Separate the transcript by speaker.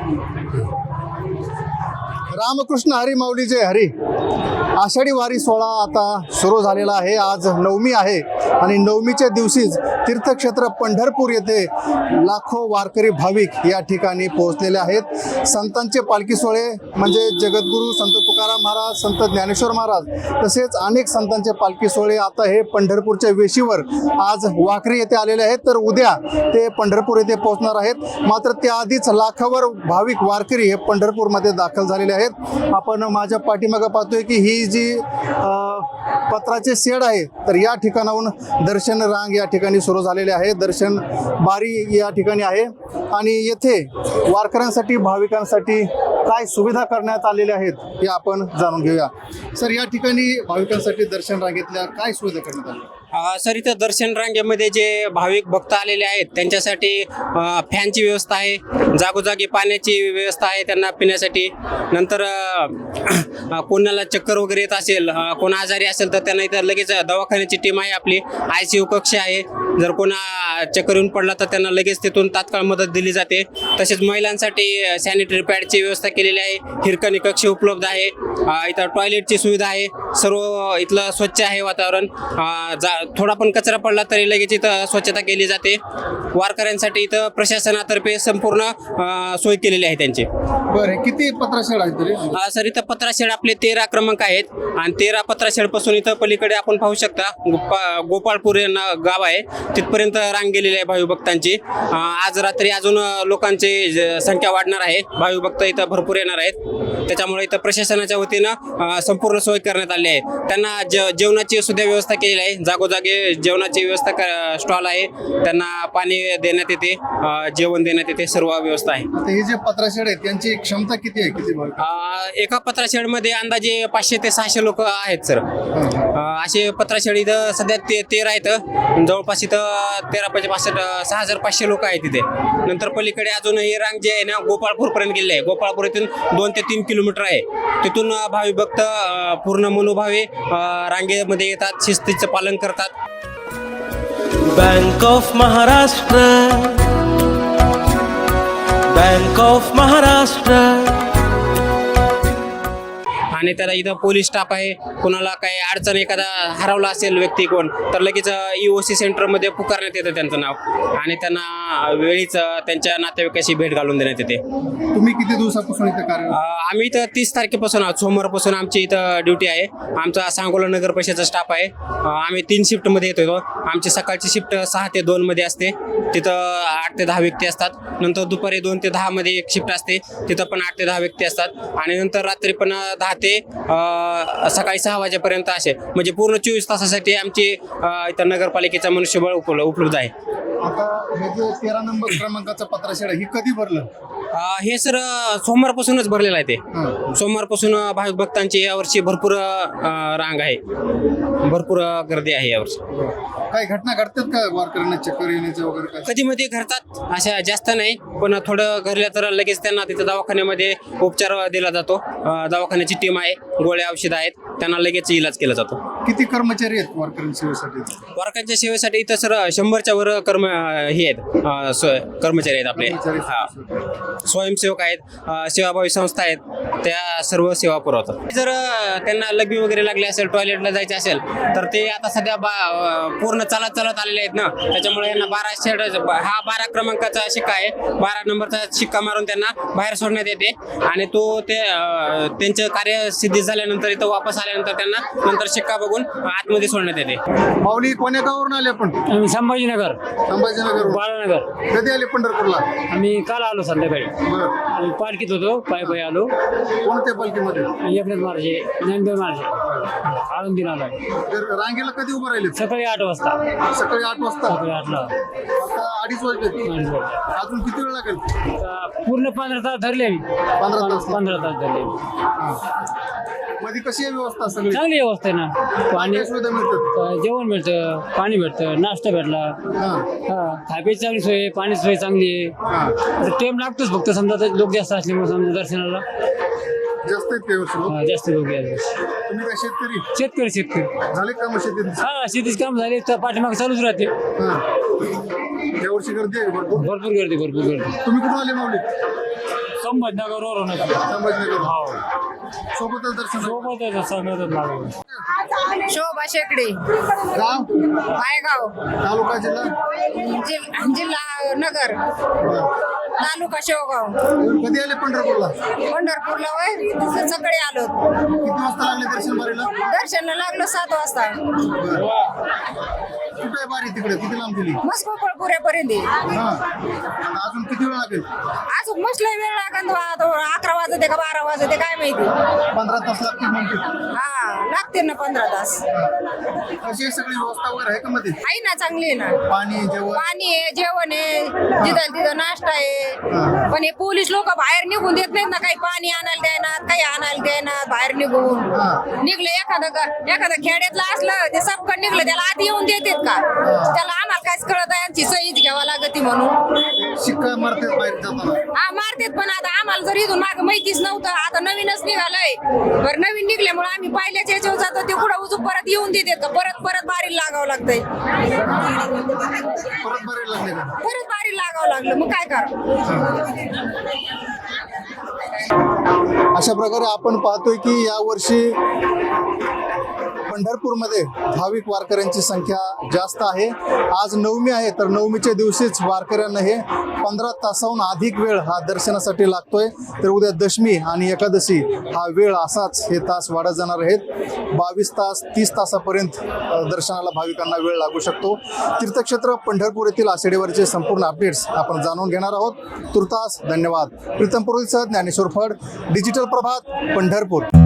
Speaker 1: रामकृष्ण हरी माऊली जय हरी. आषाढी वारी सोहळा आता सुरू झालेला आहे. आज नवमी आहे आणि नवमीच्या दिवशीच तीर्थक्षेत्र पंढरपूर येथे लाखो वारकरी भाविक या ठिकाणी पोहोचलेले आहेत. संतांचे पालखी सोहळे म्हणजे जगद्गुरू संत तुकाराम महाराज, संत ज्ञानेश्वर महाराज तसेच अनेक संतांचे पालखी सोहळे आता हे पंढरपूरच्या वेशीवर आज वाखरी येथे आलेले आहेत. तर उद्या ते पंढरपूर येथे पोहोचणार आहेत. मात्र त्याआधीच लाखावर भाविक वारकरी हे पंढरपूरमध्ये दाखल झालेले आहेत. आपण माझ्या पाठीमागे पाहतोय की ही जी पत्राचे शेड आहे तर या ठिकाणाहून दर्शन रांग या ठिकाणी सुरू झालेले आहे. दर्शन बारी या ठिकाणी आहे आणि येथे वारकऱ्यांसाठी भाविकांसाठी काय सुविधा करण्यात आलेल्या आहेत हे आपण जाणून घेऊया. सर, या ठिकाणी भाविकांसाठी दर्शन रांगेतल्या काय सुविधा करण्यात आल्या?
Speaker 2: सर, इथं दर्शन रांगेमध्ये जे भाविक भक्त आलेले आहेत त्यांच्यासाठी फॅनची व्यवस्था आहे, जागोजागी पाण्याची व्यवस्था आहे त्यांना पिण्यासाठी. नंतर कोणाला चक्कर वगैरे येत असेल, कोण आजारी असेल तर त्यांना इथं लगेच दवाखान्याची टीम आहे, आपली ICU कक्ष आहे. जर कोणा चक्कर येऊन पडला तर त्यांना लगेच तिथून तात्काळ मदत दिली जाते. तसेच महिलांसाठी सॅनिटरी पॅडची व्यवस्था केलेली आहे, हिरकणी कक्ष उपलब्ध आहे, इथं टॉयलेटची सुविधा आहे. सर्व इथलं स्वच्छ आहे वातावरण. थोडा पण कचरा पडला तरी लगेच इथं स्वच्छता केली जाते. वारकऱ्यांसाठी इथं प्रशासनातर्फे संपूर्ण सोय केलेली आहे त्यांची.
Speaker 1: बरं, किती पत्राशेड आहेत तरी?
Speaker 2: सर, इथं पत्राशेड आपले 13 क्रमांक आहेत आणि 13 पत्राशेडपासून इथं पलीकडे आपण पाहू शकता गोपाळपूर गाव आहे, तिथपर्यंत रांग गेलेली आहे भाविभक्तांची. आज रात्री अजून लोकांची संख्या वाढणार आहे, भाविभक्त इथं भरपूर येणार आहेत. त्याच्यामुळे इथं प्रशासनाच्या वतीनं संपूर्ण सोय करण्यात आली आहे. त्यांना जेवणाची सुद्धा व्यवस्था केलेली आहे, जागोजागी जेवणाची व्यवस्था स्टॉल आहे, त्यांना पाणी देण्यात येते, जेवण देण्यात येते, सर्व व्यवस्था आहे.
Speaker 1: हे जे पत्राशेड आहेत त्यांची क्षमता किती आहे? किती
Speaker 2: एका पत्राशेडमध्ये अंदाजे 500 ते 600 लोक आहेत सर. असे पत्राशेड इथं सध्या 13 आहेत. जवळपास इथं 6500 लोक आहेत तिथे. नंतर पलीकडे अजून ही रांग जे आहे ना गोपाळपूरपर्यंत गेले आहे. गोपाळपूर इथून 2 ते 3 किलोमीटर आहे. तिथून भाविभक्त पूर्ण मनोभावे रांगेमध्ये येतात, शिस्तीचं पालन करतात.
Speaker 3: Bank of Maharashtra, bank of Maharashtra.
Speaker 2: आणि त्याला इथं पोलीस स्टाफ आहे. कोणाला काही अडचण एखादा हरवला असेल व्यक्ती कोण तर लगेच EOC सेंटरमध्ये पुकारण्यात येतं त्यांचं नाव आणि त्यांना वेळीच त्यांच्या नातेवाईकाशी भेट घालून देण्यात येते.
Speaker 1: तुम्ही किती दिवसापासून इथं कार्य?
Speaker 2: आम्ही इथं 30 तारखेपासून आहोत, सोमवारपासून आमची इथं ड्युटी आहे. आमचा सांगोला नगर परिषदेचा स्टाफ आहे. आम्ही 3 शिफ्टमध्ये येतो. आमची सकाळची शिफ्ट 6 ते 2 मध्ये असते, तिथं 8 ते 10 व्यक्ती असतात. नंतर दुपारी 2 ते 10 मध्ये एक शिफ्ट असते, तिथं पण 8 ते 10 व्यक्ती असतात. आणि नंतर रात्री पण 10 ते सकाळी 6 वाजेपर्यंत असे म्हणजे पूर्ण 24 तासासाठी आमची इथं नगरपालिकेचा मनुष्यबळ उपलब्ध आहे.
Speaker 1: आता हे जे 13 नंबर क्रमांकाचं पत्राशेड आहे, ही कधी भरलं?
Speaker 2: हे सर सोमवारपासूनच भरलेलं आहे. ते सोमवारपासून भाविक भक्तांची यावर्षी भरपूर रांग आहे, भरपूर गर्दी आहे यावर्षी.
Speaker 1: काही घटना घडतात का वारकऱ्यांना चक्कर येण्याचे वगैरे?
Speaker 2: कधी मध्ये घडतात, अशा जास्त नाही, पण थोडं घडलं तर लगेच त्यांना तिथं दवाखान्यामध्ये उपचार दिला जातो. दवाखान्याची टीम आहे, गोळ्या औषध आहेत, त्यांना लगेच इलाज केला जातो.
Speaker 1: किती कर्मचारी आहेत वारकऱ्यांच्या सेवेसाठी?
Speaker 2: वारकऱ्यांच्या सेवेसाठी इथं सर 100च्या वर हे आहेत, कर्मचारी आहेत आपले. स्वयंसेवक आहेत, सेवाभावी संस्था आहेत, त्या सर्व सेवा पुरवतात. जर त्यांना लघवी वगैरे लागली असेल, टॉयलेटला जायचं असेल तर ते आता सध्या पूर्ण चालत आलेले आहेत ना, त्याच्यामुळे यांना 12 क्रमांकाचा शिक्का आहे, 12 नंबरचा शिक्का मारून त्यांना बाहेर सोडण्यात येते आणि तो त्यांचं कार्य सिद्धी झाल्यानंतर इथं वापस आल्यानंतर त्यांना नंतर शिक्का बघून आतमध्ये सोडण्यात येते.
Speaker 1: माऊली, कोण्या गावावरून आले आपण?
Speaker 4: आम्ही संभाजीनगर,
Speaker 1: बाळानगर. कधी आले पंढरपूरला?
Speaker 4: आम्ही काल आलो संध्याकाळी.
Speaker 1: बरं.
Speaker 4: आम्ही पालखीत होतो, पायी आलो.
Speaker 1: कोणत्या पालखीमध्ये?
Speaker 4: एकनाथ महाराज, ज्ञानदेव महाराज, आळंदीला आलो.
Speaker 1: रांगेला कधी उभं राहिले?
Speaker 4: सकाळी 8 वाजता.
Speaker 1: सकाळी 8 वाजता?
Speaker 4: सकाळी 8ला.
Speaker 1: आता 2:30 वाजले. अजून किती वेळ लागेल?
Speaker 4: पूर्ण 15 तास धरले आम्ही. 15 तास धरले.
Speaker 1: मध्ये कशी आहे व्यवस्था? सगळी
Speaker 4: चांगली व्यवस्था आहे ना. पाणी
Speaker 1: सुविधा मिळतात,
Speaker 4: जेवण भेटतं, पाणी भेटतं, नाश्ता भेटला, खायची चांगली सोय, पाणी सोय चांगली आहे. टाइम लागतोच फक्त, समजा लोक जास्त असल्यामुळे समजा दर्शनाला
Speaker 1: जास्त आहेत काही
Speaker 4: जास्त लोक आहेत.
Speaker 1: तुम्ही काय शेतकरी?
Speaker 4: शेतकरी
Speaker 1: झाले काम शेतीत?
Speaker 4: शेतीच काम झाले तर पाठीमाग चालूच राहते.
Speaker 1: यावर्षी गर्दी आहे
Speaker 4: भरपूर गर्दी.
Speaker 1: तुम्ही कुठून आले माऊली?
Speaker 4: संभाजीनगरवरून
Speaker 1: संभाजीनगर सोबतच दर्शन
Speaker 4: सोबतच सगळं लागलं.
Speaker 5: शोभा शेकडे
Speaker 1: गाव
Speaker 5: पायगाव
Speaker 1: तालुका जिल्हा
Speaker 5: जिल्हा नगर तालुका शेवगाव
Speaker 1: कधी आले पंढरपूरला
Speaker 5: पंढरपूरला वय सकाळी आलो.
Speaker 1: किती वाजता लागले दर्शन बारीला
Speaker 5: दर्शनला लागलो 7 वाजता.
Speaker 1: कुठे आहे बारी तिकडे किती लांब गेली
Speaker 5: मस्त पुऱ्यापर्यंत
Speaker 1: हा आता अजून किती वेळ लागेल
Speaker 5: अजून मसला वेळ लागत 11 वाजते का 12 वाजते काय माहिती.
Speaker 1: 15 तास लागतील म्हणते
Speaker 5: हा लागते ना 15 तास.
Speaker 1: कशी सगळी व्यवस्था वगैरे आहे का मध्ये
Speaker 5: आहे ना चांगली आहे ना.
Speaker 1: पाणी जेवण
Speaker 5: पाणी आहे जेवण आहे जिथं तिथं नाश्ता आहे. पण हे पोलीस लोक बाहेर निघून देत नाहीत ना. काही पाणी आणायला द्यायनात काही आणायला द्यायनात. बाहेर निघून निघले एखादं खेड्यातलं असलं ते सबकड निघलं त्याला आधी येऊन देतात का. त्याला आम्हाला काहीच कळत आहे यांची सहीच घ्यावा लागते म्हणून
Speaker 1: शिक्का मारतात बाहेर जाताना
Speaker 5: हा मारतेत. पण आता आम्हाला जर इथून माग माहितीच नव्हतं आता नवीनच निघालंय. बरं नवीन निघल्यामुळे आम्ही पहिल्याच्या याच्यावर जातो ते पुढे उजू परत येऊन देतात का. परत बारी लागावं लागतंय.
Speaker 1: परत बारी लागले का
Speaker 5: परत बारी लागावं लागलं मग काय करा.
Speaker 1: अशा प्रकारे आपण पाहतोय की यावर्षी पंढरपूरमध्ये भाविक वारकऱ्यांची संख्या जास्त आहे. आज नवमी आहे तर नवमीच्या दिवशीच वारकऱ्यांना हे 15 तासाहून अधिक वेळ हा दर्शनासाठी लागतोय. तर उद्या दशमी आणि एकादशी हा वेळ असाच हे तास वाढत जाणार आहेत. 22 तास 30 तासापर्यंत दर्शनाला भाविकांना वेळ लागू शकतो. तीर्थक्षेत्र पंढरपूर येथील आषाढीवरचे संपूर्ण अपडेट्स आपण जाणून घेणार आहोत. तुर्तास धन्यवाद. प्रीतम पुरोहितसह ज्ञानेश्वर फड, डिजिटल प्रभात, पंढरपूर.